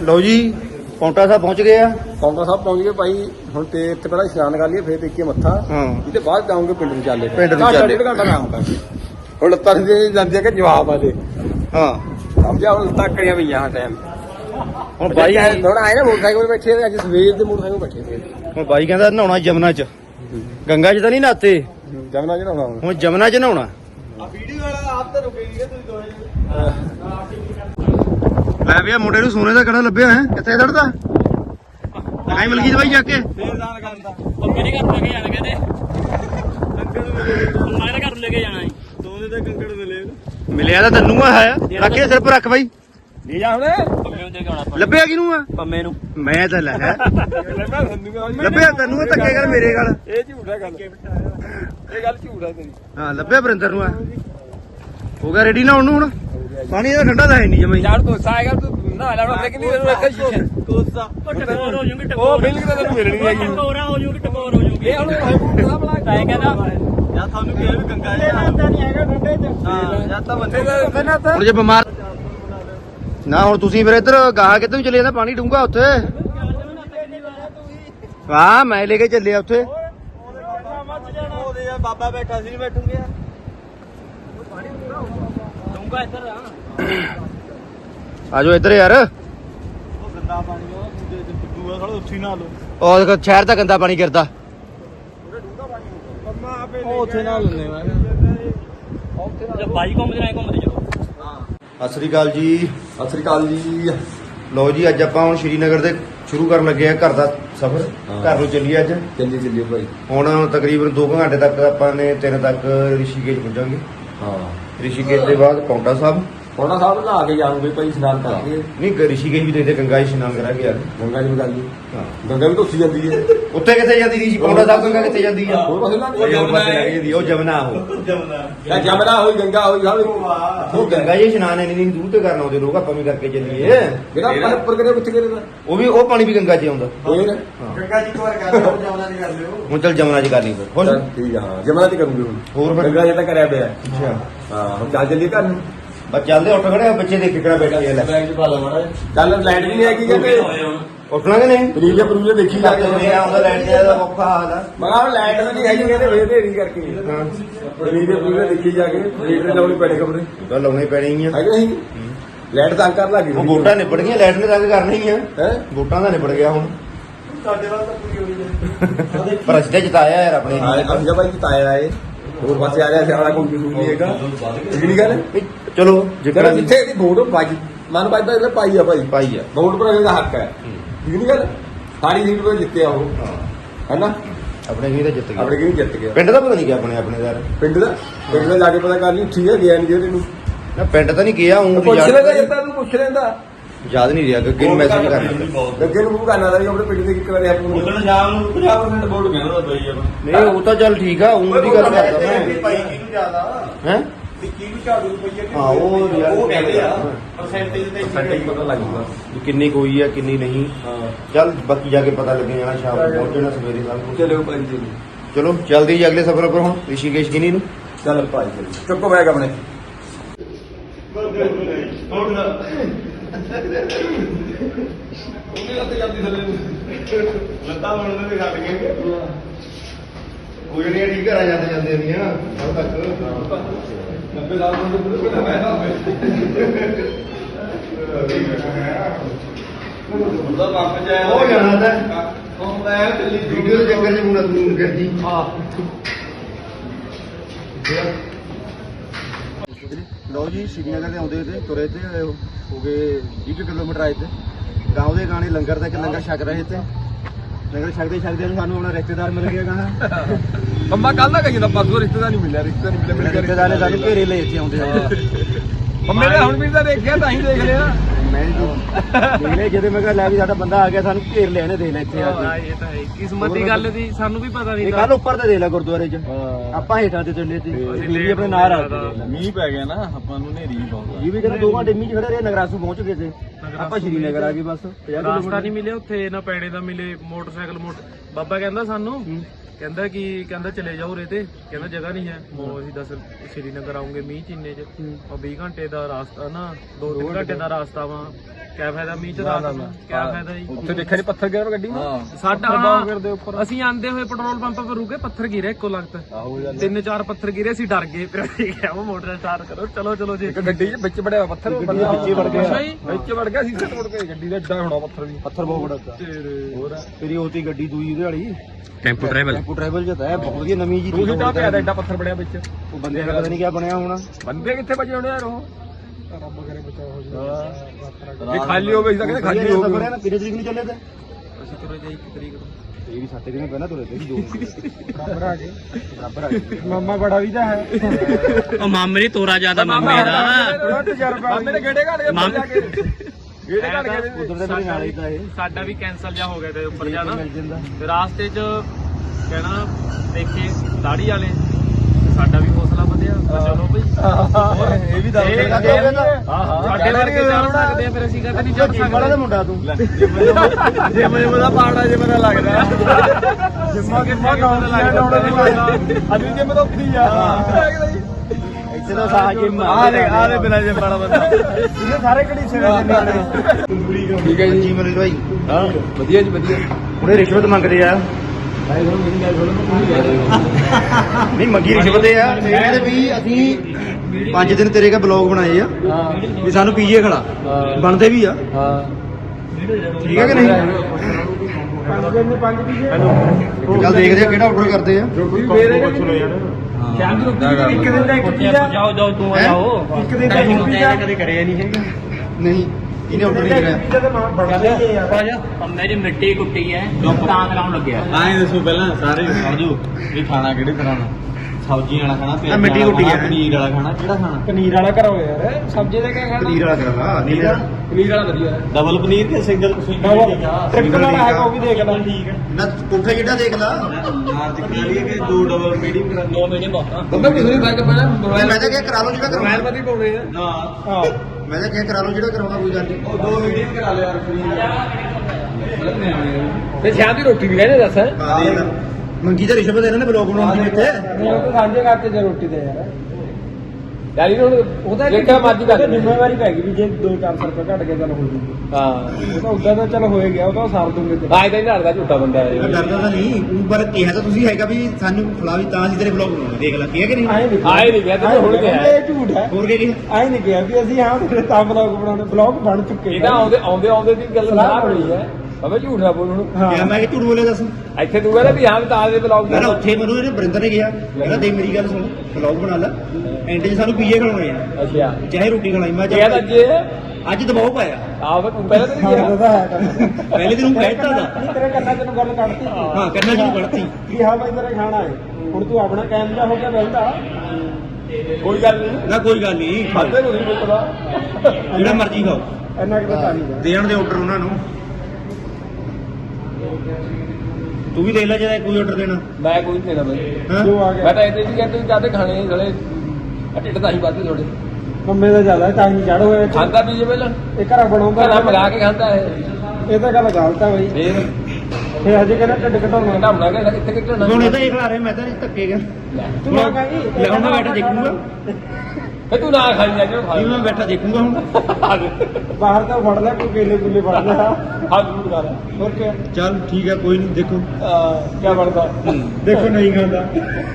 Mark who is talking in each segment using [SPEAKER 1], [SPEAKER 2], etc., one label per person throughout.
[SPEAKER 1] ਲਓ ਜੀ ਪੌਂਟਾ ਸਾਹਿਬ ਪਹੁੰਚ ਗਏ ਆ।
[SPEAKER 2] ਪੌਂਟਾ ਸਾਹਿਬ ਪਹੁੰਚ ਗਏ ਭਾਈ। ਹੁਣ ਤੇ ਇੱਥੇ ਪਹਿਲਾਂ ਇਸ਼ਨਾਨ ਕਰ ਲਈਏ, ਫੇਰ ਦੇਖੀਏ ਮੱਥਾ।
[SPEAKER 1] ਹਾਂ
[SPEAKER 2] ਇਹਦੇ ਬਾਅਦ ਜਾਉਂਗੇ ਪਿੰਡ ਨੂੰ ਚੱਲੇ।
[SPEAKER 1] ਪਿੰਡ ਨੂੰ ਚੱਲੇ।
[SPEAKER 2] 1.5 ਘੰਟਾ ਆਰਾਮ ਕਰਕੇ ਹੁਣ ਲੱਤਾਂ ਦੀ ਜਾਂਦੀ ਹੈ ਕਿ ਜਵਾਬ ਆ ਦੇ।
[SPEAKER 1] ਹਾਂ
[SPEAKER 2] ਸਮਝਿਆ ਹੁਣ ਲੱਤਾਂ ਕੜੀਆਂ ਪਈਆਂ ਹਾਂ ਟਾਈਮ।
[SPEAKER 1] ਹੁਣ ਬਾਈ
[SPEAKER 2] ਥੋੜਾ ਆਏ ਨਾ ਮੋਟਰਸਾਈਕਲ 'ਤੇ ਬੈਠੇ ਤੇ ਅੱਜ ਸਵੇਰ ਦੇ ਮੋਟਰਸਾਈਕਲ 'ਤੇ ਬੈਠੇ ਤੇ।
[SPEAKER 1] ਹੁਣ ਬਾਈ ਕਹਿੰਦਾ ਨਹਾਉਣਾ ਜਮਨਾ ਚ, ਗੰਗਾ ਚ ਤਾਂ ਨਹੀਂ ਨਹਾਤੇ,
[SPEAKER 2] ਜਮਨਾ ਜਿਹੜਾ
[SPEAKER 1] ਹੁਣ ਜਮਨਾ ਚ ਨਹਾਉਣਾ।
[SPEAKER 2] ਵੀਡੀਓ ਵਾਲਾ ਆਪ ਤਾਂ ਰੁਕੇਗੀ ਤੁਸੀਂ ਦੋਏ।
[SPEAKER 1] ਲੈ ਵੀ ਮੁੰਡੇ ਨੂੰ ਸੋਨੇ ਦਾ ਕੜਾ ਲੱਭਿਆ ਹੈ, ਕਿੱਥੇ ਦੜਦਾ ਆਈ ਮਲਕੀਤ ਬਾਈ ਜਾ ਕੇ
[SPEAKER 2] ਫੇਰ ਦਾਨ ਕਰਦਾ
[SPEAKER 3] ਮੇਰੇ ਘਰ ਲੈ ਕੇ ਜਾਣਾ ਕਹਿੰਦੇ, ਮੇਰੇ ਘਰ ਲੈ ਕੇ ਜਾਣਾ ਹੈ।
[SPEAKER 2] ਸੋਨੇ ਦੇ ਕੰਕੜ ਮਿਲੇ
[SPEAKER 1] ਮਿਲਿਆ ਤਾਂ ਤੈਨੂੰ ਆ ਹੈ, ਰੱਖੇ ਸਿਰ ਪਰ ਰੱਖ ਬਾਈ।
[SPEAKER 2] ਲੈ ਜਾ ਹੁਣ
[SPEAKER 3] ਪੰਮੇ ਨੂੰ ਦੇ ਕੇ ਆਉਣਾ
[SPEAKER 1] ਲੱਭਿਆ ਕਿਹਨੂੰ ਆ?
[SPEAKER 3] ਪੰਮੇ ਨੂੰ।
[SPEAKER 1] ਮੈਂ ਤਾਂ ਲੈ
[SPEAKER 2] ਲੱਭਿਆ
[SPEAKER 1] ਲੱਭਿਆ ਤੈਨੂੰ ਆ, ਧੱਕੇ ਕਰ ਮੇਰੇ ਗੱਲ।
[SPEAKER 2] ਇਹ ਝੂਠ ਹੈ ਗੱਲ, ਇਹ ਗੱਲ ਝੂਠ ਹੈ ਤੇਰੀ।
[SPEAKER 1] ਹਾਂ ਲੱਭਿਆ ਵਰਿੰਦਰ ਨੂੰ ਆ। ਹੋ ਗਿਆ ਰੈਡੀ ਨਹਾਉਣ ਨੂੰ? ਹੁਣ ਪਾਣੀ ਇਹਦਾ ਠੰਡਾ ਤਾਂ ਹੈ ਨਹੀਂ ਜਮਾਈ।
[SPEAKER 2] ਯਾਰ ਕੋਸਾ ਆਏਗਾ ਤੂੰ ਨਾ ਲੈਣਾ ਲੇਕਿਨ ਇਹਨੂੰ ਰੱਖਿਆ ਸ਼ੀਸ਼ੇ ਕੋਸਾ
[SPEAKER 3] ਟਕੋਰ ਹੋ ਜੂਗੀ,
[SPEAKER 2] ਉਹ ਮਿਲ ਕੇ ਤੈਨੂੰ ਮਿਲਣੀ ਹੈਗੀ।
[SPEAKER 3] ਟਕੋਰਾ ਹੋ ਜੂਗੀ, ਟਕੋਰ ਹੋ ਜੂਗੀ।
[SPEAKER 2] ਇਹ ਹੁਣ ਹੈ ਬਲਾ
[SPEAKER 3] ਤਾਂ ਕਹਿੰਦਾ
[SPEAKER 2] ਜਾਂ ਤੁਹਾਨੂੰ ਕਿਹਾ ਵੀ ਗੰਗਾ ਜੀ ਤਾਂ ਨਹੀਂ ਹੈਗਾ ਠੰਡੇ ਚ। ਹਾਂ ਜਾਂ ਤਾਂ ਬੰਦੇ ਦਾ
[SPEAKER 1] ਹੁਣ ਜੇ ਬਿਮਾਰ ਨਾ, ਹੁਣ ਤੁਸੀਂ ਫਿਰ ਇੱਧਰ ਗਾਹ ਕਿੱਧਰ ਨੂੰ ਚਲੇ ਜਾਂਦਾ, ਪਾਣੀ ਡੂੰਘਾ ਉੱਥੇ। ਹਾਂ ਮੈਂ ਲੈ ਕੇ ਚੱਲਿਆ ਉੱਥੇ।
[SPEAKER 2] ਉਹਦੇ ਬਾਬਾ ਬੈਠਾ ਸੀ, ਬੈਠੂਗੇ
[SPEAKER 3] ਦੂੰਗਾ ਇੱਧਰ ਆ।
[SPEAKER 1] ਆਜੋ ਇੱਧਰ ਯਾਰ।
[SPEAKER 2] ਉਹ ਗੰਦਾ ਪਾਣੀ ਉਹ ਦੂਆ ਖੜਾ ਉੱਥੇ ਨਾ ਲੋ।
[SPEAKER 1] ਉਹ ਦੇਖੋ ਸ਼ਹਿਰ ਦਾ ਗੰਦਾ ਪਾਣੀ ਗਿਰਦਾ।
[SPEAKER 2] ਉਹ ਉੱਥੇ ਨਾ ਲੈਣੇ ਮੈਂ
[SPEAKER 3] ਜੇ ਬਾਈ ਘੁੰਮਦੇ ਨਾ ਘੁੰਮਦੇ ਚਲੋ।
[SPEAKER 1] ਸਤਿ ਸ੍ਰੀ ਅਕਾਲ ਜੀ।
[SPEAKER 2] ਸਤਿ ਸ੍ਰੀ ਅਕਾਲ ਜੀ।
[SPEAKER 1] ਲਓ ਜੀ ਅੱਜ ਆਪਾਂ ਹੁਣ ਸ਼੍ਰੀਨਗਰ ਦੇ ਸ਼ੁਰੂ ਕਰਨ ਲੱਗੇ ਆ ਘਰ ਦਾ ਸਫ਼ਰ। ਘਰ ਨੂੰ ਚੱਲੀਏ ਅੱਜ।
[SPEAKER 2] ਚੱਲੀਏ ਭਾਈ।
[SPEAKER 1] ਹੁਣ ਤਕਰੀਬਨ 2 ਘੰਟੇ ਤੱਕ ਆਪਾਂ ਨੇ 3 ਤੱਕ ਰਿਸ਼ੀਕੇਸ਼ ਪਹੁੰਚਾਂਗੇ।
[SPEAKER 2] ਹਾਂ
[SPEAKER 1] ਰਿਸ਼ੀਕੇਸ਼ ਦੇ ਬਾਅਦ ਪੌਂਟਾ ਸਾਹਿਬ।
[SPEAKER 2] ਪੌਂਟਾ ਸਾਹਿਬ ਲਾ ਕੇ ਜਾਣਗੇ ਭਾਈ, ਇਸ਼ਨਾਨ ਕਰਕੇ।
[SPEAKER 1] ਨਹੀਂ ਰਿਸ਼ੀਕੇਸ਼ ਵੀ ਦੇਖਦੇ, ਗੰਗਾ ਇਸ਼ਨਾਨ ਕਰਾਂਗੇ ਯਾਰ।
[SPEAKER 2] ਗੰਗਾ ਜੀ ਗੱਲ
[SPEAKER 1] ਹਾਂ
[SPEAKER 2] ਗੰਗਾ ਵੀ ਧੋਤੀ ਜਾਂਦੀ ਹੈ।
[SPEAKER 1] ਉੱਥੇ ਕਿੱਥੇ ਜਾਂਦੀ ਰਿਸ਼ੀ ਪੌਂਟਾ ਸਾਹਿਬ ਗੰਗਾ ਕਿੱਥੇ ਜਾਂਦੀ ਆ?
[SPEAKER 2] ਹੋਰ ਪਾਸੇ ਨਾ
[SPEAKER 1] ਉਹ ਪਾਸੇ ਲੱਗ ਜਾਂਦੀ, ਉਹ ਜਮਨਾ ਉਹ
[SPEAKER 2] ਜਾਂ ਜਮਨਾ ਹੋਈ ਗੰਗਾ ਹੋਈ ਸਭ
[SPEAKER 1] ਉਹ ਗੰਗਾ ਜੀ ਇਸ਼ਨਾਨ ਨਹੀਂ ਦੂਰ ਤੇ ਕਰਨਾ ਉਹਦੇ ਲੋਕ, ਆਪਾਂ ਵੀ ਕਰਕੇ ਚੱਲੀਏ।
[SPEAKER 2] ਜਿਹੜਾ ਆਪਾਂ ਉੱਪਰ ਕਰੇ ਉੱਥੇ ਕਰੇ
[SPEAKER 1] ਉਹ ਵੀ ਉਹ ਪਾਣੀ ਵੀ ਗੰਗਾ 'ਚ ਆਉਂਦਾ।
[SPEAKER 2] ਫੇਰ
[SPEAKER 1] ਗੰਗਾ ਜੀ ਇੱਕ ਵਾਰ ਕਰ ਲਿਓ, ਜਮਨਾ 'ਚ ਕਰ ਲਿਓ। ਹੁਣ ਚੱਲ ਜਮਨਾ 'ਚ ਕਰ ਲਈ ਫਿਰ।
[SPEAKER 2] ਚੱਲ ਠੀਕ ਆ। ਹਾਂ ਜਮਨਾ ਤੇ ਕਰੂੰਗੇ ਹੁਣ।
[SPEAKER 1] ਹੋਰ ਫਿਰ
[SPEAKER 2] ਗੰਗਾ ਜੇ ਤਾਂ ਕਰਿਆ ਪਿਆ।
[SPEAKER 1] ਅੱਛਾ
[SPEAKER 2] ਹਾਂ ਹੁਣ ਚੱਲ ਚੱਲੀਏ ਘਰ ਨੂੰ।
[SPEAKER 1] ਬਸ ਚੱਲਦੇ ਉੱਠ ਖੜੇ, ਬੱਚੇ ਦੇਖ ਕਿਹੜਾ ਬੈਠੇ ਆ। ਲੈ
[SPEAKER 2] ਬੈਗ ਚ ਪਾ ਲਾ ਮਾੜਾ। ਚੱਲ ਲਾਈਟ ਵੀ ਨਹੀਂ ਹੈਗੀ ਕਹਿੰਦੇ।
[SPEAKER 1] ਉੱਠਣਾ ਕਿ ਨਹੀਂ?
[SPEAKER 2] ਪਰੀਲੇ ਦੇਖੀ ਜਾ ਕੇ
[SPEAKER 1] ਮੈਂ ਆਉਂਦਾ ਲਾਈਟ ਦਾ ਔਖਾ ਹਾਲ ਆ।
[SPEAKER 2] ਮਗਾ ਲਾਈਟ ਵੀ ਨਹੀਂ ਹੈਗੀ ਕਹਿੰਦੇ ਵੇਦੇ ਨਹੀਂ ਕਰਕੇ।
[SPEAKER 1] ਹਾਂ
[SPEAKER 2] ਪਰੀਲੇ ਦੇਖੀ ਜਾ ਕੇ ਲੀਟਰ ਲਾਉਣੀ ਪੈਣੇ ਕਮਰੇ
[SPEAKER 1] ਤਾਂ ਲਾਉਣੇ ਪੈਣੀ ਆ।
[SPEAKER 2] ਹੈਗੇ ਨਹੀਂ ਲਾਈਟ ਤਾਂ ਕਰ ਲੱਗੀ।
[SPEAKER 1] ਉਹ ਵੋਟਾਂ ਨਿਬੜ ਗਈਆਂ, ਲਾਈਟ ਨੇ ਤੰਗ ਕਰਨਾ ਹੀ ਆ।
[SPEAKER 2] ਹੈ
[SPEAKER 1] ਵੋਟਾਂ ਦਾ ਨਿਬੜ ਗਿਆ ਹੁਣ।
[SPEAKER 2] ਸਾਡੇ ਵੱਲ ਤਾਂ ਪੂਰੀ ਹੋਈ ਹੈ।
[SPEAKER 1] ਪਰ ਅਸੀਂ ਤਾਂ ਜਿਤਾਇਆ ਯਾਰ ਆਪਣੇ
[SPEAKER 2] ਹਾਂ ਅਸੀਂ ਭਾਈ ਜਿਤਾਇਆ ਆਏ। ਹੋਰ ਪਾਸੇ ਆ ਰਿਹਾ ਸਿਆਣਾ ਕੋਈ ਕਸੂਰ ਨਹੀਂ ਹੈਗਾ। ਠੀਕ ਨਹੀਂ ਗੱਲ।
[SPEAKER 1] ਚਲੋ
[SPEAKER 2] ਜਿਹੜਾ
[SPEAKER 1] ਜਿੱਕੜਾ
[SPEAKER 2] ਜਿੱਥੇ ਦੀ ਵੋਟ ਪਾਈ ਮਨ ਪਾਈਦਾ ਇਹਨੇ ਪਾਈ ਆ ਭਾਈ।
[SPEAKER 1] ਪਾਈ ਆ।
[SPEAKER 2] ਵੋਟ ਪਰ ਇਹਦਾ ਹੱਕ ਹੈ। ਠੀਕ ਨਹੀਂ ਗੱਲ। ਸਾਰੀ ਸੀਟ ਤੇ ਜਿੱਤਿਆ ਉਹ ਹੈਨਾ।
[SPEAKER 1] ਆਪਣੇ ਵੀ ਤਾਂ ਜਿੱਤ ਗਏ।
[SPEAKER 2] ਆਪਣੇ ਕਿਹਨੂੰ ਜਿੱਤ ਗਿਆ।
[SPEAKER 1] ਪਿੰਡ ਦਾ ਪਤਾ ਨਹੀਂ ਕਿ ਆਪਣੇ ਯਾਰ
[SPEAKER 2] ਪਿੰਡ ਦਾ ਜਾ ਕੇ ਪਤਾ ਕਰ ਲਈ। ਠੀਕ ਹੈ ਗਿਆ ਨਹੀਂ ਜਿਹੜੇ ਨੂੰ
[SPEAKER 1] ਨਾ ਪਿੰਡ ਤਾਂ ਨਹੀਂ ਗਿਆ। ਉਹ
[SPEAKER 2] ਪੁੱਛ ਲੈਂਦਾ ਜਿੱਤਾਂ ਨੂੰ ਪੁੱਛ ਲੈਂਦਾ।
[SPEAKER 1] ਯਾਦ ਨਹੀਂ ਰਿਹਾ ਕਿ ਮੈਸੇਜ ਕਰਨਾ।
[SPEAKER 2] ਅੱਗੇ ਨੂੰ ਮੂੰਹ ਕਰਨਾ ਸੀ ਆਪਣੇ ਪਿੰਡ ਦੇ ਕਿੱਕ ਵਾਲੇ ਆਪਾਂ ਨੂੰ। ਉਦੋਂ ਸ਼ਾਮ ਨੂੰ 50% ਵੋਟ ਕਹਿੰਦਾ ਬਈ ਆਪਾਂ।
[SPEAKER 1] ਨਹੀਂ ਉਹ ਤਾਂ ਚੱਲ ਠੀਕ ਆ, ਉਹ ਦੀ ਗੱਲ ਕਰਦਾ ਮੈਂ।
[SPEAKER 2] ਭਾਈ ਕਿਹਨੂੰ ਜ਼ਿਆਦਾ
[SPEAKER 1] ਹੈ
[SPEAKER 2] ਕਿਹਨੂੰ ਝਾੜੂ ਰੁਪਈਆ
[SPEAKER 1] ਹਾਂ ਉਹ ਯਾਰ
[SPEAKER 2] ਉਹ ਕਹਿੰਦੇ ਆ ਪਰਸੈਂਟੇਜ ਤੇ ਪਤਾ ਲੱਗ ਜੂਗਾ
[SPEAKER 1] ਕਿੰਨੀ ਕੋਈ ਆ ਕਿੰਨੀ ਨਹੀਂ।
[SPEAKER 2] ਹਾਂ
[SPEAKER 1] ਚੱਲ ਬਾਕੀ ਜਾ ਕੇ ਪਤਾ ਲੱਗੇ ਜਾਣਾ, ਸ਼ਾਮ ਨੂੰ ਪਹੁੰਚਣਾ ਸਵੇਰੇ ਸਾਨੂੰ।
[SPEAKER 2] ਚਲੋ ਭਾਈ ਜੀ
[SPEAKER 1] ਚਲੋ ਜਲਦੀ ਜੀ ਅਗਲੇ ਸਫ਼ਰ ਪਰ ਹੁਣ ਰਿਸ਼ੀਕੇਸ਼ ਕਿਨੀ ਨੂੰ।
[SPEAKER 2] ਚੱਲ ਭਾਈ ਚੁੱਕੋ ਬੈਗ ਆਪਣੇ। ਉਹਨੇ ਲੱਤ ਜਾਂਦੀ ਥੱਲੇ ਲੱਤਾਂ ਬਣਨ ਦੇ ਛੱਡ ਗਏ।
[SPEAKER 1] ਕੋਈ ਨਹੀਂ ਠੀਕ ਘਰਾਂ ਜਾਂਦੇ ਜਾਂਦੇ ਨਹੀਂ ਆ ਹੁਣ ਤੱਕ
[SPEAKER 2] 90 ਸਾਲ ਤੋਂ ਪੂਰੇ ਬਣਾ ਹੈ ਨਾ ਉਹਦਾ ਵਾਪਸ ਆਇਆ
[SPEAKER 1] ਉਹ ਜਾਣਾ ਤਾਂ
[SPEAKER 2] ਉਹ ਮੈਂ ਚੱਲੀ
[SPEAKER 1] ਵੀਡੀਓ ਦੇ ਚੱਕਰ 'ਚ ਮੁੰਡਾ ਦੂਰ ਕਰਦੀ। ਲਓ ਜੀ ਸ਼੍ਰੀਨਗਰ ਦੇ ਆਉਂਦੇ ਤੇ ਤੁਰੇ ਤੇ ਹੋ ਗਏ 20 ਕਿਲੋਮੀਟਰ ਆਏ ਤੇ ਗਾਉਂ ਦੇ ਗਾਣੇ ਲੰਗਰ ਦਾ ਇੱਕ ਲੰਗਰ ਛਕ ਰਹੇ ਤੇ ਲੰਗਰ ਛਕਦੇ ਸਾਨੂੰ ਆਪਣਾ ਰਿਸ਼ਤੇਦਾਰ ਮਿਲ ਗਿਆ ਗਾਣਾ।
[SPEAKER 2] ਅੰਮਾ ਕੱਲ ਨਾ ਕਹੀ ਤਾਂ ਪਰਸੋਂ ਰਿਸ਼ਤੇਦਾਰ ਨਹੀਂ ਮਿਲਿਆ
[SPEAKER 1] ਰਿਸ਼ਤੇਦਾਰ ਨੇ ਸਾਨੂੰ ਘੇਰੇ ਲਏ ਇੱਥੇ ਆਉਂਦੇ
[SPEAKER 2] ਮੰਮੇ ਨੇ ਹੁਣ ਵੀ ਤਾਂ ਦੇਖਿਆ ਤਾਂ ਹੀ ਦੇਖ ਲਿਆ।
[SPEAKER 1] ਮੈਂ ਦੇਖ ਲਿਆ ਜਦੋਂ ਮੈਂ ਕਿਹਾ ਲੈ ਵੀ ਸਾਡਾ ਬੰਦਾ ਆ ਗਿਆ, ਸਾਨੂੰ ਘੇਰ ਲਿਆ ਇਹਨੇ, ਦੇਖ ਲੈ ਇੱਥੇ ਆ ਕੇ।
[SPEAKER 3] ਇਹ ਤਾਂ ਹੈ ਕਿਸਮਤ ਦੀ ਗੱਲ ਦੀ, ਸਾਨੂੰ ਵੀ ਪਤਾ ਨਹੀਂ
[SPEAKER 1] ਇਹ ਕੱਲ ਉੱਪਰ ਤੇ ਦੇਖ ਲੈ ਗੁਰਦੁਆਰੇ 'ਚ, ਆਪਾਂ ਹੇਠਾਂ ਤੇ ਚੱਲੇ ਤੇ ਵੀ ਆਪਣੇ ਨਾਲ ਆ ਗਏ।
[SPEAKER 2] ਮੀਂਹ ਪੈ ਗਿਆ ਨਾ ਆਪਾਂ ਨੂੰ ਨੇਰੀ ਵੀ ਪਾਉਂਦਾ।
[SPEAKER 1] ਇਹ ਵੀ ਕਹਿੰਦੇ 2 ਘੰਟੇ ਮੀਂਹ 'ਚ ਖੜੇ ਰਹੇ, ਨਗਰਾਸੂ ਪਹੁੰਚ ਗਏ ਤੇ ਆਪਾਂ ਸ਼੍ਰੀਨਗਰ ਆ ਗਏ ਬਸ 50
[SPEAKER 3] ਰਾਸਤਾ
[SPEAKER 1] ਕਿਲੋਮੀਟਰ।
[SPEAKER 3] ਨਹੀਂ ਮਿਲਿਆ ਉੱਥੇ, ਨਾ ਪੈੜੇ ਦਾ ਮਿਲੇ ਮੋਟਰਸਾਈਕਲ ਬਾਬਾ ਕਹਿੰਦਾ ਸਾਨੂੰ, ਕਹਿੰਦਾ ਚਲੇ ਜਾਓ ਰੇ ਤੇ, ਕਹਿੰਦਾ ਜਗ੍ਹਾ ਨਹੀਂ ਹੈ। ਅਸੀਂ ਦੱਸ ਸ਼੍ਰੀਨਗਰ ਆਉਂਗੇ ਮੀਂਹ ਚੀਨੇ 'ਚ, 20 ਘੰਟੇ ਦਾ ਰਾਸਤਾ ਨਾ 2-3 ਘੰਟੇ ਦਾ ਰਾਸਤਾ ਵਾ, ਕਿਆ ਫਾਇਦਾ ਮੀਂਹ ਚ ਰਾਤ ਨੂੰ ਕਿਆ ਫਾਇਦਾ ਜੀ
[SPEAKER 2] ਉੱਥੇ ਦੇਖਿਆ ਨਹੀਂ ਪੱਥਰ ਗਿਰ ਗੱਡੀ ਨੂੰ
[SPEAKER 3] ਸਾਡਾ ਦੇ ਉੱਪਰ ਅਸੀਂ ਆਂਦੇ ਹੋਏ ਪੈਟਰੋਲ ਪੰਪ ਪਰ ਰੁਕੇ ਪੱਥਰ ਗਿਰੇ ਇੱਕੋ ਲਗਤ 3-4 ਪੱਥਰ ਗਿਰੇ ਅਸੀਂ ਡਰ ਗਏ ਫਿਰ ਅਸੀਂ ਕਿਹਾ ਉਹ ਮੋਟਰ ਸਟਾਰਟ ਕਰੋ ਚਲੋ ਚਲੋ ਜੀ
[SPEAKER 2] ਇੱਕ ਗੱਡੀ 'ਚ ਵਿੱਚ ਵੜਿਆ ਪੱਥਰ ਬੰਦਾ ਵਿੱਚ ਵੜ ਗਿਆ ਵਿੱਚ ਵੜ ਗਿਆ ਸੀਸੇ ਤੋੜ ਕੇ ਗੱਡੀ ਦਾ ਏਡਾ ਹੋਣਾ ਪੱਥਰ ਵੀ
[SPEAKER 1] ਪੱਥਰ ਬਹੁਤ ਬੜਾ ਹੁੰਦਾ ਹੋਰ ਤੇਰੀ ਹੋਤੀ ਗੱਡੀ ਦੂਈ ਉਹਦੇ ਵਾਲੀ
[SPEAKER 3] ਟੈਂਪੂ ਟਰੈਵਲ
[SPEAKER 1] ਜਤਾ ਹੈ ਬਹੁਤ ਵਧੀਆ ਨਵੀਂ ਜੀ
[SPEAKER 2] ਤੁਸੀਂ ਤਾਂ ਪਿਆ ਏਡਾ ਪੱਥਰ ਬੜਿਆ ਵਿੱਚ
[SPEAKER 1] ਉਹ ਬੰਦੇ ਦਾ ਪਤਾ ਨਹੀਂ ਕਿਆ ਬਣਿਆ ਹੋਣਾ
[SPEAKER 2] ਬੰਦੇ ਕਿੱਥੇ ਬਚੇ ਹੋਣੇ ਯਾਰ ਉਹ ਰੱਬ ਕਰੇ ਬਚਾ ਹੋ ਜਾਵੇ ਇਹ ਖਾਲੀ ਹੋਵੇ ਤਾਂ ਕਹਿੰਦੇ ਖਾਲੀ ਹੋ
[SPEAKER 1] ਬਣਿਆ ਨਾ ਕਿਹੜੇ ਤਰੀਕ ਨੂੰ ਚੱਲੇ ਤੇ
[SPEAKER 3] ਅਸੀਂ ਤੁਰੇ ਜਾਈ 1 ਤਰੀਕ ਨੂੰ
[SPEAKER 1] ਇਹ ਵੀ 7 ਦਿਨ ਪਹਿਲਾਂ ਤੁਰੇ ਤੇ 2
[SPEAKER 2] ਬਰਾਬਰ ਆ ਗਏ
[SPEAKER 1] ਬਰਾਬਰ ਆ ਗਏ
[SPEAKER 2] ਮਾਮਾ ਬੜਾ ਵੀ ਤਾਂ ਹੈ
[SPEAKER 3] ਉਹ ਮਾਮੇ ਦੀ ਤੋਰਾ ਜ਼ਿਆਦਾ ਮਾਮੇ ਦਾ
[SPEAKER 2] ਤਜਰਬਾ ਮਾਮੇ ਦੇ ਗੇੜੇ ਘੜ ਕੇ ਜਾ ਕੇ ਗੇੜੇ ਘੜ ਕੇ
[SPEAKER 1] ਉਧਰ ਦੇ ਮੇਰੇ ਨਾਲ ਹੀ ਤਾਂ ਇਹ
[SPEAKER 3] ਸਾਡਾ ਵੀ ਕੈਨਸਲ ਜਾ ਹੋ ਗਿਆ ਤੇ ਉੱਪਰ ਜਾਣਾ
[SPEAKER 1] ਮਿਲ ਜਾਂਦਾ
[SPEAKER 3] ਤੇ ਰਾਸਤੇ 'ਚ ਕਹਿਣਾ ਦੇਖੇ ਦਾੜੀ ਵਾਲੇ ਸਾਡਾ ਵੀ ਹੌਸਲਾ ਵਧਿਆ ਚਲੋ ਬਈ
[SPEAKER 1] ਇਹ ਵੀ ਦੱਸ
[SPEAKER 3] ਸਾਡੇ ਵਰਗੇ ਚੜ ਸਕਦੇ ਆ ਫਿਰ ਅਸੀਂ ਕਹਿੰਦੇ ਨਹੀਂ ਚੜ
[SPEAKER 1] ਵਾਲਾ ਦਾ
[SPEAKER 3] ਸਕਦੇ
[SPEAKER 1] ਮੁੰਡਾ ਤੂੰ
[SPEAKER 2] ਜਿਮ ਦਾ ਪਾੜਾ ਜੇ ਮੈਨੂੰ ਲੱਗਦਾ ਜਿੰਮਾ ਕਿੰਨਾ ਗਾਉਂਦਾ ਲੱਗਦਾ ਅਭੀ ਜਿਮ ਤਾਂ ਉੱਠੀ ਆ
[SPEAKER 1] ਇੱਥੇ ਤਾਂ ਸਾਹ ਜਿਮ
[SPEAKER 2] ਆ ਦੇ ਬਿਨਾ ਜਿਮ ਵਾਲਾ ਬੰਦਾ
[SPEAKER 1] ਇਹਨੇ ਸਾਰੇ ਕਿਹੜੀ ਸੇਵਾ ਦੇ ਨਿਆਣੇ
[SPEAKER 2] ਠੀਕ ਹੈ
[SPEAKER 1] ਜੀ ਮਨੀ ਭਾਈ
[SPEAKER 2] ਹਾਂ ਵਧੀਆ ਜੀ ਵਧੀਆ
[SPEAKER 1] ਉਹਨੇ ਰਿਸ਼ਵਤ ਮੰਗਦੇ ਆ ਨਹੀਂ ਮੰਗੀ ਰਿਸ਼ਵਤ ਆ ਕਹਿੰਦੇ ਵੀ ਅਸੀਂ 5 ਦਿਨ ਤੇਰੇ ਕਾ ਬਲੌਗ ਬਣਾਏ ਆ ਵੀ ਸਾਨੂੰ ਪੀਜੇ ਖੜਾ ਬਣਦੇ ਵੀ ਆ
[SPEAKER 2] ਹਾਂ
[SPEAKER 1] ਠੀਕ ਹੈ ਕਿ ਨਹੀਂ ਚੱਲ ਦੇਖਦੇ ਆ ਕਿਹੜਾ ਆਰਡਰ ਕਰਦੇ ਆ
[SPEAKER 2] ਇੱਕ ਦਿਨ ਦਾ ਇੱਕ ਪੀਜ਼ਾ
[SPEAKER 3] ਜਾਓ ਜਾਓ ਤੂੰ
[SPEAKER 1] ਹੈਂ?
[SPEAKER 3] ਆਓ
[SPEAKER 2] ਇੱਕ ਦਿਨ ਦਾ ਇੱਕ ਪੀਜ਼ਾ
[SPEAKER 1] ਕਦੇ ਕਰਿਆ ਨਹੀਂ ਹੈਗਾ ਨਹੀਂ ਇਹਨੇ ਆਰਡਰ ਨਹੀਂ ਕਰਿਆ
[SPEAKER 2] ਪੀਜ਼ਾ ਤਾਂ ਬਣਦਾ ਹੀ ਹੈ ਯਾਰ
[SPEAKER 3] ਮੇਰੀ ਮਿੱਟੀ ਕੁੱਟੀ ਹੈ ਤਾਂ ਕਰਾਉਣ ਲੱਗਿਆ
[SPEAKER 4] ਆਏ ਦੱਸੋ ਪਹਿਲਾਂ ਸਾਰੇ ਸਮਝੋ ਵੀ ਖਾਣਾ ਕਿਹੜੇ ਤਰ੍ਹਾਂ ਦਾ ਸਬਜ਼ੀ ਵਾਲਾ ਖਾਣਾ
[SPEAKER 1] ਆਹ ਮਿੱਟੀ ਰੋਟੀ ਹੈ।
[SPEAKER 4] ਪਨੀਰ ਵਾਲਾ ਖਾਣਾ ਕਿਹੜਾ ਖਾਣਾ
[SPEAKER 2] ਪਨੀਰ ਵਾਲਾ ਕਰੋ ਯਾਰ ਸਬਜ਼ੀ ਦਾ ਕੀ ਖਾਣਾ
[SPEAKER 1] ਪਨੀਰ ਵਾਲਾ ਕਰਾਂਗਾ
[SPEAKER 2] ਪਨੀਰ ਵਾਲਾ ਵਧੀਆ
[SPEAKER 4] ਡਬਲ ਪਨੀਰ ਤੇ ਸਿੰਗਲ
[SPEAKER 2] ਟ੍ਰਿਪਲ ਵਾਲਾ ਹੈ ਉਹ ਵੀ ਦੇਖ ਲੈ ਠੀਕ ਹੈ
[SPEAKER 1] ਨਾ ਕੋਠਾ ਜਿਹੜਾ ਦੇਖ ਲਾ
[SPEAKER 4] ਯਾਰ ਤੇ ਕਰਾ ਲਈਏ ਕਿ 2 ਡਬਲ ਮੀਡੀਅਮ ਕਰਾ
[SPEAKER 3] ਦੋ ਮਹੀਨੇ ਬਹੁਤ
[SPEAKER 2] ਬੰਦਾ ਕਿਸੇ ਨੂੰ ਫਰਕ ਪੈਣਾ
[SPEAKER 1] ਮੈਂ ਤਾਂ ਕਿਹਾ ਕਰਾ ਲਓ ਜਿਹੜਾ
[SPEAKER 2] ਮੋਬਾਈਲ
[SPEAKER 1] ਕਰਾਉਣਾ
[SPEAKER 2] ਮਤ ਹੀ ਪਾਉਣੇ ਆ
[SPEAKER 4] ਨਾ
[SPEAKER 2] ਹਾਂ
[SPEAKER 1] ਮੈਂ ਤਾਂ ਕਿਹਾ ਕਰਾ ਲਓ ਜਿਹੜਾ ਕਰਾਉਣਾ ਕੋਈ ਗੱਲ ਨਹੀਂ
[SPEAKER 4] ਉਹ 2 ਮੀਡੀਅਮ ਕਰਾ ਲਿਆ
[SPEAKER 2] ਤੇ ਸ਼ਾਮ ਦੀ ਰੋਟੀ ਵੀ ਕਹਿੰਦੇ ਦੱਸ
[SPEAKER 1] ਹਾਂ ਦੇ ਲੈ। ਮੰਗੀ ਤਾਂ ਰਿਸ਼ਵਤ ਇਹਨਾਂ ਨੇ ਬਲੌਗ ਬਣਾਉਣ ਦੀ ਇੱਥੇ
[SPEAKER 2] ਨਹੀਂ ਉਹ ਤਾਂ ਸਾਂਝੇ ਕਰਤੇ ਜੇ ਰੋਟੀ ਦੇ ਯਾਰ ਯਾਰੀ ਨੂੰ ਉਹਦਾ ਜਿਹੜਾ ਮਰਜ਼ੀ ਕਰ ਜ਼ਿੰਮੇਵਾਰੀ ਪੈ ਗਈ ਵੀ ਜੇ 2-400 ਰੁਪਏ ਘਟ ਕੇ ਚੱਲ ਹੋ ਜੂਗੀ ਹਾਂ ਉਹ ਤਾਂ ਉਦਾਂ ਤਾਂ ਚੱਲ ਹੋਏ ਗਿਆ ਉਹ ਤਾਂ ਸਾਰ ਦੂੰਗੇ ਤੇ ਆਏ ਤਾਂ ਨਹੀਂ ਲੜਦਾ ਝੂਠਾ ਬੰਦਾ ਹੈ
[SPEAKER 1] ਮੈਂ ਡਰਦਾ ਤਾਂ ਨਹੀਂ ਤੂੰ ਪਰ ਕਿਹਾ ਤਾਂ ਤੁਸੀਂ ਹੈਗਾ ਵੀ ਸਾਨੂੰ ਖਿਲਾ ਵੀ ਤਾਂ ਅਸੀਂ ਤੇਰੇ ਬਲੌਗ ਬਣਾਉਣੇ ਦੇਖ ਲੈ ਕੀ ਹੈ ਕਿ ਨਹੀਂ
[SPEAKER 2] ਆਏ ਨਹੀਂ ਗਿਆ ਤੇ ਹੁਣ ਕਿਹਾ ਇਹ ਝੂਠ ਹੈ
[SPEAKER 1] ਹੋਰ ਕੀ ਕਿਹਾ
[SPEAKER 2] ਆਏ ਨਹੀਂ ਗਿਆ ਵੀ ਅਸੀਂ ਹਾਂ ਤੇਰੇ ਤਾਂ ਬਲੌਗ ਬਣਾਉਣੇ ਬਲੌਗ ਬਣ ਚੁੱਕੇ ਇਹਦਾ ਆਉਂਦੇ ਦੀ ਗੱਲ ਸਲਾਹ ਹੋਈ ਹੈ ਅਬੇ ਝੂਠ ਨਾ ਬੋਲ ਹੁਣ
[SPEAKER 1] ਕਿਹਾ ਮੈਂ ਕਿ ਝੂਠ ਬੋਲੇ ਦੱਸ
[SPEAKER 2] ਇੱਥੇ ਤੂੰ ਕਹਿੰਦਾ ਵੀ ਹਾਂ ਤਾਂ ਦੇ ਬਲੌਗ
[SPEAKER 1] ਮੈਂ ਉੱਥੇ ਮੈਨੂੰ ਇਹਨੇ ਬਰਿੰਦਰ ਨੇ ਕਿਹਾ ਕਹਿੰਦਾ ਦੇਖ ਮੇਰੀ ਗੱਲ ਸੁਣ ਬਲੌਗ ਬਣਾ ਲੈ ਐਂਡ 'ਚ ਸਾਨੂੰ ਪੀਜੇ ਖਿਲਾਉਣੇ ਆ
[SPEAKER 2] ਅੱਛਾ
[SPEAKER 1] ਚਾਹੇ ਰੋਟੀ ਖਿਲਾਈ ਮੈਂ
[SPEAKER 2] ਕਿਹਾ ਤਾਂ
[SPEAKER 1] ਅੱਜ ਦਬਾਅ ਪਾਇਆ
[SPEAKER 2] ਆਹ ਤੂੰ ਪਹਿਲਾਂ ਤਾਂ ਨਹੀਂ ਕਿਹਾ
[SPEAKER 1] ਪਹਿਲੇ ਦਿਨ ਕਹਿਤਾ ਦਾ
[SPEAKER 2] ਨਹੀਂ ਤੇਰੇ ਕੰਨਾਂ ਤੈਨੂੰ ਗੱਲ ਕੱਢਤੀ
[SPEAKER 1] ਹਾਂ ਕਰਨਾ ਸ਼ੁਰੂ ਕਰਤੀ
[SPEAKER 2] ਵੀ ਹਾਂ ਬਾਈ ਤੇਰੇ ਖਾਣਾ ਹੈ ਹੁਣ ਤੂੰ ਆਪਣਾ ਕਾਇਮ ਜਾ ਹੋ ਕੇ ਬੈਠਾ ਕੋਈ ਗੱਲ ਨਹੀਂ
[SPEAKER 1] ਨਾ ਕੋਈ ਗੱਲ ਨਹੀਂ
[SPEAKER 2] ਖਾਦੇ ਨੂੰ ਨਹੀਂ ਪਤਾ
[SPEAKER 1] ਜਿਹੜਾ ਮਰਜ਼ੀ ਖਾਓ
[SPEAKER 2] ਇੰਨਾ ਕਿ ਪਤਾ ਨਹੀਂ
[SPEAKER 1] ਦੇਣ ਦੇ ਆਰਡਰ ਉਹਨਾਂ ਨੂੰ ਤੂੰ ਵੀ ਦੇਖ ਲੈ ਜੇ ਕੋਈ ਆਰਡਰ ਦੇਣਾ
[SPEAKER 2] ਮੈਂ ਕੋਈ ਨਹੀਂ ਦੇਣਾ ਬਾਈ
[SPEAKER 1] ਹਾਂ?
[SPEAKER 2] ਜੋ ਆ ਗਿਆ ਮੈਂ ਤਾਂ ਇਹਦੇ ਵੀ ਕਹਿੰਦੇ ਵੀ ਕਾਹਦੇ ਖਾਣੇ ਨੇ ਥੋੜੇ ਢਿੱਡ ਤਾਂ ਹੀ ਵੱਧ ਥੋੜੇ ਮੰਮੇ ਦਾ ਜ਼ਿਆਦਾ ਤਾਂ ਹੀ ਜੜ ਹੋਇਆ ਖਾਂਦਾ ਵੀ ਜੇ ਪਹਿਲਾਂ ਇਹ ਘਰ ਬਣਾਉਂਦਾ ਘਰ ਮੰਗਾ ਕੇ ਖਾਂਦਾ ਹੈ ਇਹ ਤਾਂ ਗੱਲ ਗਲਤ ਹੈ ਬਾਈ ਫੇਰ ਹਜੇ ਕਹਿੰਦਾ ਢਿੱਡ ਘਟਾਉਣਾ ਢਾਉਣਾ ਕਿ ਕਿੱਥੇ ਘਟਾਉਣਾ
[SPEAKER 1] ਹੁਣ ਇਹ ਤਾਂ ਇਹ ਖਿਲਾ ਰਿਹਾ ਮੈਂ ਤਾਂ ਧੱਕੇ ਗਿਆ
[SPEAKER 2] ਤੂੰ ਨਾ ਖਾਈ
[SPEAKER 1] ਲੈ ਹੁਣ ਮੈਂ ਬੈਠਾ ਦੇਖੂੰਗਾ
[SPEAKER 2] ਫੇ ਤੂੰ ਨਾ ਖਾਈ ਜਾ ਜੋ
[SPEAKER 1] ਜੀ ਮੈਂ ਬੈਠਾ ਦੇਖੂੰਗਾ ਹੁਣ
[SPEAKER 2] ਬਾਹਰ ਤਾਂ ਫੜ ਲੈ ਕੋਈ ਕੇਲੇ ਕੁਲੇ ਫੜ ਲੈ ਹਾਂ ਜ਼ਰੂਰ ਕਰ ਹੋਰ ਕੀ
[SPEAKER 1] ਚੱਲ ਠੀਕ ਹੈ ਕੋਈ ਨਹੀਂ ਦੇਖੋ
[SPEAKER 2] ਕੀ ਬਣਦਾ ਦੇਖੋ ਨਹੀਂ ਖਾਂਦਾ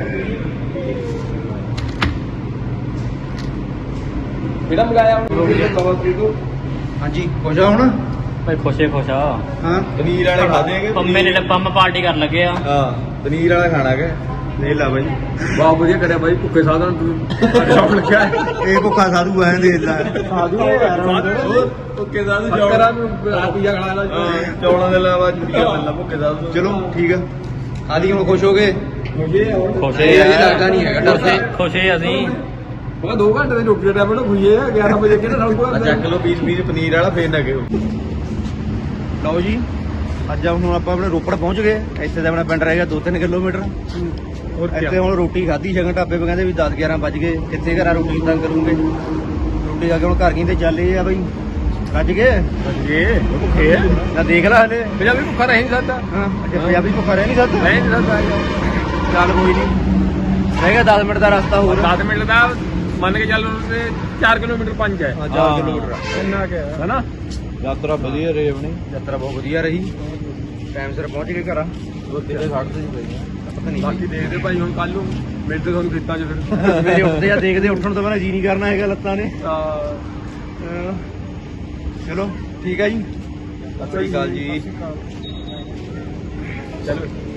[SPEAKER 2] ਕਿਹੜਾ ਮੰਗਾਇਆ ਹੁਣ
[SPEAKER 1] ਹਾਂਜੀ ਹੋ ਜਾ ਹੁਣ
[SPEAKER 3] ਭਾਈ ਖੁਸ਼ੇ ਖੁਸ਼ ਆ
[SPEAKER 1] ਹਾਂ
[SPEAKER 4] ਪਨੀਰ ਵਾਲੇ ਖਾਦੇਗੇ
[SPEAKER 3] ਪੰਮੇ ਨੇ ਪੰਮ ਪਾਰਟੀ ਕਰਨ ਲੱਗੇ ਆ
[SPEAKER 4] ਹਾਂ ਪਨੀਰ ਵਾਲਾ ਖਾਣਾ ਹੈ ਲੈ ਲਾ ਬਾਈ
[SPEAKER 2] ਬਹੁਤ ਵਧੀਆ ਕਰਿਆ ਬਾਈ ਭੁੱਖੇ ਸਾਧਨ ਤੂੰ ਸ਼ੌਕ ਲਿਖਿਆ
[SPEAKER 1] ਇਹ ਭੁੱਖਾ ਸਾਧੂ ਐ ਦੇ ਲੈ
[SPEAKER 2] ਸਾਧੂ
[SPEAKER 4] ਭੁੱਕੇ ਦਾ
[SPEAKER 2] ਕਰਾਂ ਨੂੰ ਪੀਆ ਖਾ ਲਾ
[SPEAKER 4] ਚੌਲਾਂ ਦੇ ਇਲਾਵਾ ਜੁੜੀਆਂ ਮਿਲਣਾ ਭੁੱਕੇ ਦਾ
[SPEAKER 1] ਚਲੋ ਠੀਕ ਆ ਆਦੀ ਹੁਣ ਖੁਸ਼ ਹੋ ਗਏ
[SPEAKER 3] ਖੁਸ਼ੇ
[SPEAKER 1] ਇਹ ਅਜੇ ਲੱਗਦਾ ਨਹੀਂ ਹੈਗਾ ਡਰਦੇ
[SPEAKER 3] ਖੁਸ਼ੇ ਅਸੀਂ
[SPEAKER 2] ਉਹ 2 ਘੰਟੇ ਦੀ ਰੋਟੀ ਦਾ ਟਾਈਮ ਨੂੰ ਖੁਈਏ 11 ਵਜੇ ਕਿਹੜਾ
[SPEAKER 4] ਆ ਚੱਕ ਲਓ ਪੀਸ ਪਨੀਰ ਵਾਲਾ ਫੇਰ ਨਾ ਗਿਓ
[SPEAKER 1] ਲਓ ਜੀ ਅੱਜ ਹੁਣ ਆਪਾਂ ਆਪਣੇ ਰੋਪੜ ਪਹੁੰਚ ਗਏ ਇੱਥੇ ਦਾ ਆਪਣਾ ਪਿੰਡ ਰਹਿ ਗਿਆ 2-3 ਕਿਲੋਮੀਟਰ ਇੱਥੇ ਹੁਣ ਰੋਟੀ ਖਾਧੀ ਸ਼ਗਨ ਢਾਬੇ ਪੇ ਕਹਿੰਦੇ ਵੀ 10-11 ਵੱਜ ਗਏ ਕਿੱਥੇ ਘਰਾਂ ਰੋਟੀ ਤਾਂ ਕਰੂੰਗੇ ਰੋਟੀ ਖਾ ਕੇ ਹੁਣ ਘਰ ਕਹਿੰਦੇ ਚੱਲੇ ਆ ਬਈ ਰੱਜ ਗਏ ਭੁੱਖੇ ਆ ਨਾ ਦੇਖ ਲੈ ਹਲੇ
[SPEAKER 2] ਪੰਜਾਬੀ ਭੁੱਖਾ ਰਹਿ ਨਹੀਂ ਸਕਦਾ
[SPEAKER 1] ਹਾਂ ਅੱਜ ਪੰਜਾਬੀ ਭੁੱਖਾ ਰਹਿ ਨਹੀਂ ਸਕਦਾ
[SPEAKER 2] ਰਹਿ ਨਹੀਂ ਸਕਦਾ
[SPEAKER 1] ਚੱਲ ਕੋਈ ਨਹੀਂ ਰਹਿ ਗਿਆ 10 ਮਿੰਟ ਦਾ ਰਸਤਾ ਹੋਰ
[SPEAKER 2] 10 ਮਿੰਟ ਦਾ
[SPEAKER 3] ਮੰਨ ਕੇ ਚੱਲ ਉਹਦੇ 4 ਕਿਲੋਮੀਟਰ 5 ਹੈ
[SPEAKER 1] 4 ਕਿਲੋਮੀਟਰ ਆ।
[SPEAKER 3] ਇੰਨਾ ਕਿ ਹੈਨਾ
[SPEAKER 4] ਯਾਤਰਾ ਵਧੀਆ ਰਹੀ ਆਪਣੀ।
[SPEAKER 1] ਯਾਤਰਾ ਬਹੁਤ ਵਧੀਆ ਰਹੀ, ਟਾਈਮ ਸਿਰ ਪਹੁੰਚ ਗਏ ਘਰਾਂ।
[SPEAKER 4] ਰੋਟੀ ਦੇ ਸੜਕ ਤੇ ਪਈ
[SPEAKER 1] ਪਤਾ ਨਹੀਂ
[SPEAKER 3] ਬਾਕੀ ਦੇਖਦੇ ਭਾਈ ਹੁਣ ਕੱਲ ਨੂੰ ਮਿਲਦੇ ਤੁਹਾਨੂੰ ਖੇਤਾਂ 'ਚ ਫਿਰ
[SPEAKER 1] ਮੇਰੇ ਉੱਠਦੇ ਆ ਦੇਖਦੇ, ਉੱਠਣ ਤੋਂ ਪਹਿਲਾਂ ਜੀ ਨਹੀਂ ਕਰਨਾ ਹੈਗਾ ਲੱਤਾਂ ਨੇ। ਚਲੋ ਠੀਕ ਆ ਜੀ, ਸਤਿ ਸ਼੍ਰੀ ਅਕਾਲ ਜੀ।
[SPEAKER 3] ਚਲੋ